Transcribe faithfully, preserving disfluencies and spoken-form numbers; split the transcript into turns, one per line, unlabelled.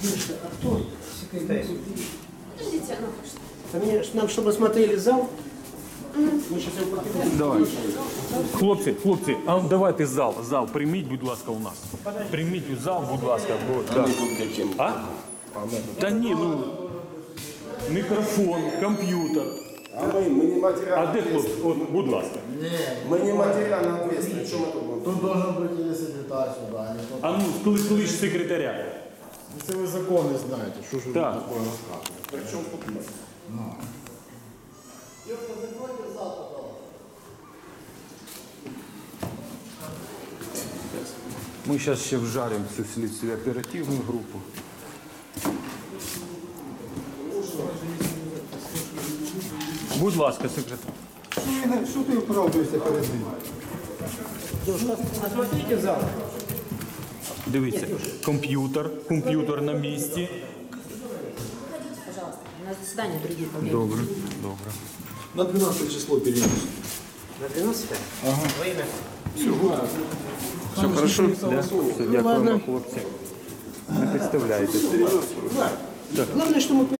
Девушка, а кто секретарь?
Подождите, она пошла.
А мне, нам, чтобы осмотрели зал, ми зараз його покинемо.
Давай. Хлопці, хлопці, а ну, давайте зал, зал, прийміть, будь ласка, у нас. Прийміть у зал, будь ласка. Бо, да. А? Та ні, ну, мікрофон, комп'ютер.
А мы, мы не
А
материально
де хлопці? От, будь ласка.
Мы не материально ответственны. Что мы тут будем?
Тут должен быть или секретарь сюда, или кто-то.
А ну, коли клич секретаря.
Если вы законы знаете, что же вы
Так.
такое рассказываете?
Причем тут мы?
Ми зараз ще вжаримо цю слідчу оперативну групу. Будь ласка, секретар.
Что ты оправдываешься перед ним?
Девушка, осмотрите зал.
Дивіться, комп'ютер, комп'ютер на місці.
Пожалуйста, у нас заседание другие по времени.
Добре, добре.
На двенадцатое число перенес.
На двенадцатое? Ага. Время.
Все хорошо? Да? Все, дякуємо, хлопці. Не підставляйтесь.
Главное, что мы